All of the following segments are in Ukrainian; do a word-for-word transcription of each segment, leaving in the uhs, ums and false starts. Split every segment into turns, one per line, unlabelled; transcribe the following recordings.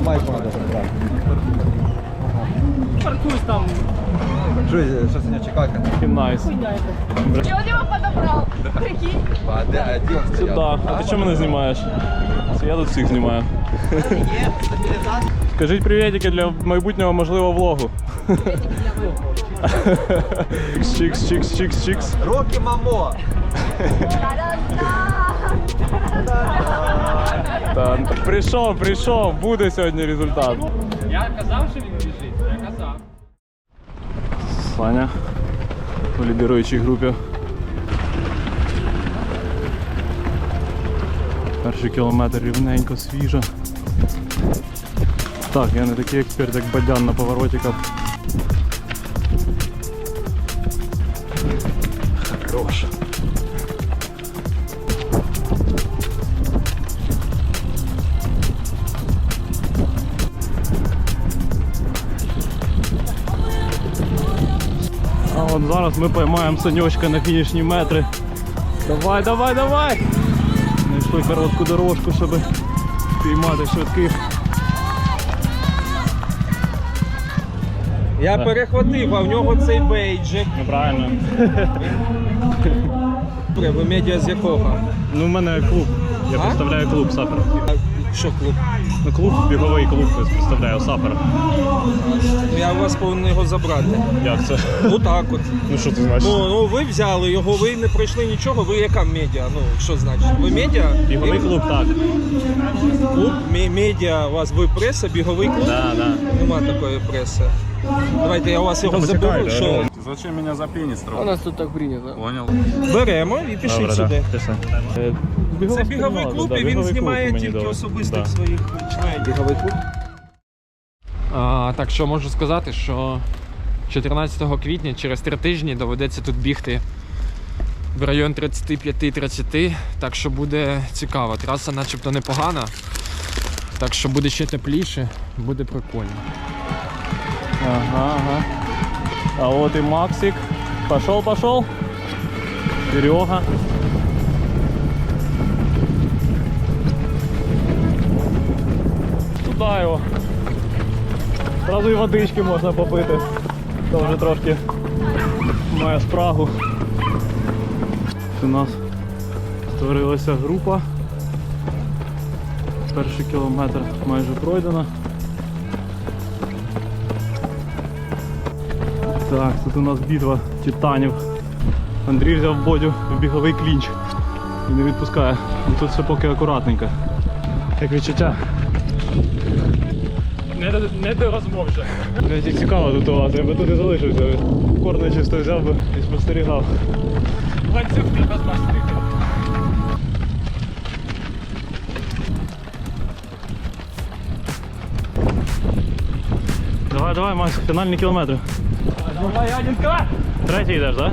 майку треба забрати.
Паркуюсь там.
Що, що сьогодні чекати?
Найс.
И он его подобрал. Прикинь.
А де, а де він стояв?
Сюда. А ти чому мене знімаєш? Я тут всіх знімаю. Скажіть привітики для майбутнього можливого влогу. Чикс, чикс, чикс, чикс.
Рокі мамо!
Так, прийшов, прийшов, буде сьогодні результат.
Я казав, що він біжить, я казав.
Саня у лідируючій групі. Перший кілометр рівненько, свіжо. Так, я не такий експерт, як Бадян на поворотиках. Хорош. А от зараз ми поймаємо Санечка на фінішні метри. Давай, давай, давай! Знайшли коротку дорожку, щоб піймати швидких.
Я перехватив, а в нього цей бейджик.
Неправильно.
Ви медіа з якого?
Ну, в мене клуб. Я
А?
представляю клуб Сапер.
Що клуб?
Ну, клуб, біговий клуб, я представляю Сапер.
Я у вас повинен його забрати.
Як це?
Ну так от.
Ну, що це значить?
Ну, ну ви взяли його, ви не пройшли нічого, ви яка медіа? Ну, що значить? Ви медіа?
Біговий клуб, так.
Клуб, Мі- медіа, у вас ви преса, біговий клуб?
Да, да.
Нема такої преси. Давайте я у вас його заберу, що
Зачем мене за пеніс
у нас тут так прийнято.
Понял.
Беремо і пішли сюди.
пішли.
Це біговий клуб, і він знімає тільки особистих своїх членів. Біговий клуб?
А, так що можу сказати, що чотирнадцятого квітня через три тижні доведеться тут бігти в район тридцять п'ять тридцять, так що буде цікаво. Траса начебто непогана, так що буде ще тепліше, буде прикольно.
Ага, ага. А вот и Максик. Пошел, пошел. Серега. Туда його. Сразу і водички можна попити. То вже трошки має спрагу. У нас створилася група. Перший кілометр майже пройдено. Так, тут у нас битва титанів. Андрій взяв Бодю в біговий клінч і не відпускає. І тут все поки акуратненько. Як відчуття? Не до, не до розмов вже. Мені цікаво тут у вас, я би тут і залишився. Корни чисто взяв би і спостерігав.
Ланцюг ти без мастрики.
Давай, давай, Макс, фінальні кілометри.
Давай, Яненка!
Третій йдеш, так?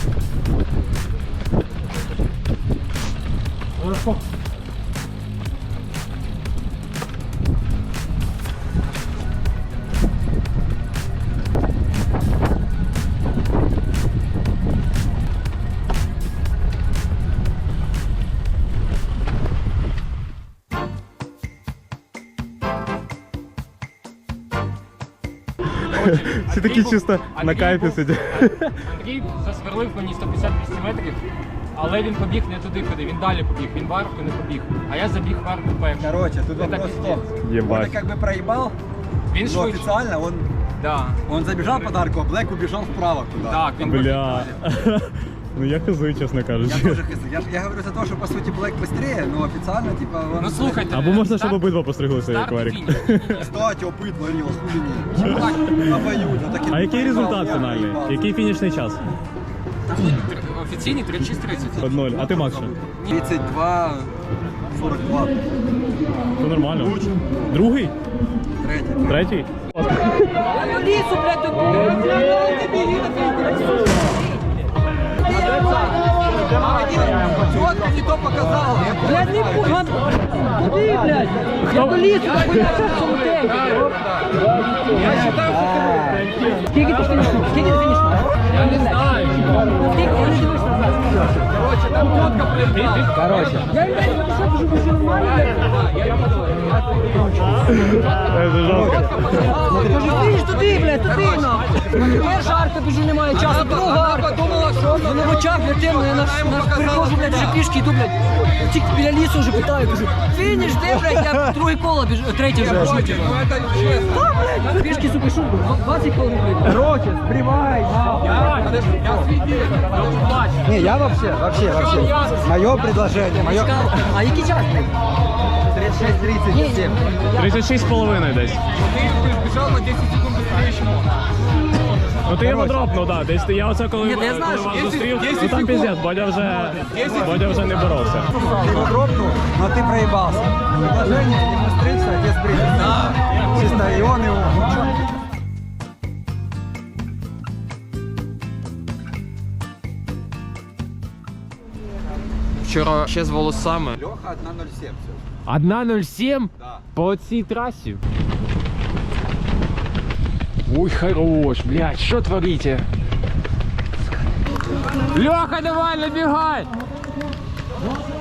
Всі такі чисто на кайфі сидять.
Андрій засверлив мені сто п'ятдесят двісті метрів, але він побіг не туди, куди, він далі побіг, він в арку не побіг, а я забіг в арку перший.
Короче, тут
Это
вопрос в
пиздец.
том,
Ебать.
он как бы проебал,
Він
но
швидше.
официально он,
Да.
он забежал под арку, а Блэк убежал вправо туда.
Так, він
Бля. Ну я хизую, чесно
Я
кажучи.
тоже хз. Я, ж- я говорю за то, что по сути Блэк быстрее, но официально типа он...
Ну слухайте.
Або можна, щоб
старт-
обидва постриглися, як
старт і
варік.
фініш.
Кстати, опыт варил, хули не. Обоюдно. Так и
А який
проебал,
результат
я
фінальний?
проебал.
Який фінішний час?
Тр- Офіційний тридцять шість тридцять.
Од ноль. А ти, Макс, що?
тридцать два сорок два.
То нормально. Другий?
Третий.
Третій?
Лису, блядь, тут.
Вот ты не то показал.
Блядь, не пуган. Куди, блядь? Я до лісу, так хуйня в цьому темпі.
Я считаю, що ти
Скільки ти фінішнув? Скільки ти фінішнув? Я не знаю. Скільки ти не дивишся назад?
Короче.
Це жорстко.
Кажи, ти ж туди, блядь, туди, нахуй. Перша арка біжу, немає часу, друга арка. Мене в очах, блядь, темно, я на, на перехожу, блядь, вже пішки йду, блядь. Тільки біля лісу вже питаю, кажу, фініш, де, блядь, я друге коло біжу, третє вже біжу. Та, блядь, пішки, сука, шубу, двадцять хвилин, блядь.
Короче, сбривай. Не, я вообще, вообще, вообще. Мое предложение, мое...
А який час, блядь?
тридцать шесть тридцать семь.
тридцять шість з половиною десь. Ну ти його дропнув, так. Десь я оце коли,
Ні, та я знаю,
коли
що
вас зустрів, ну там піздець, Бодя вже, Бодя вже не боровся.
Ты его дропнул, но ты проебался. Предложение не быстриться, а без бритва. Чисто и он его.
Вчора ще з волосами.
Леха одна ноль семь.
одна нуль сім?
Да.
По цій трасі? Ой, хорош, блядь, що творите? Леха, давай, набігай!